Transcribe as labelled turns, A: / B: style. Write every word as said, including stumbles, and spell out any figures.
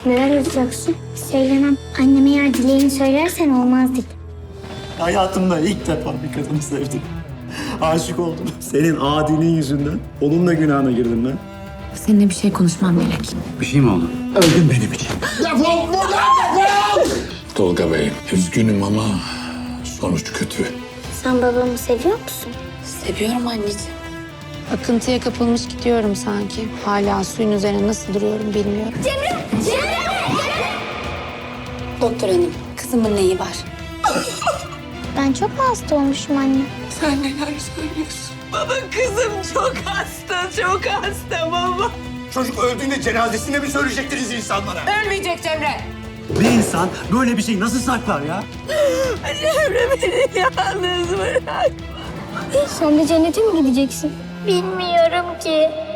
A: Neler yapacaksın? Söylemem. Anneme eğer dileğini söylersen olmaz dedi.
B: Hayatımda ilk defa bir kadını sevdim. Aşık oldum. Senin adiliğin yüzünden onun da günahına girdim ben.
C: Seninle bir şey konuşmam Melek.
D: Bir şey mi oldu?
B: Öldün benim için.
E: Defol buradan defol! Tolga Bey, üzgünüm ama sonuç kötü.
A: Sen babamı seviyor musun?
C: Seviyorum anneciğim. Akıntıya kapılmış gidiyorum sanki. Hala suyun üzerine nasıl duruyorum bilmiyorum. Doktor hanım, kızımın neyi var?
A: Ben çok mu hasta olmuşum anne?
C: Sen neler söylüyorsun? Baba kızım çok hasta, çok hasta baba.
E: Çocuk öldüğünde cenazesine mi söyleyecektiniz insanlara?
C: Ölmeyecek Cemre.
B: Bir insan böyle bir şeyi nasıl saklar ya?
C: Cemre beni yalnız bırak.
A: Sen de cennete mi gideceksin? Bilmiyorum ki.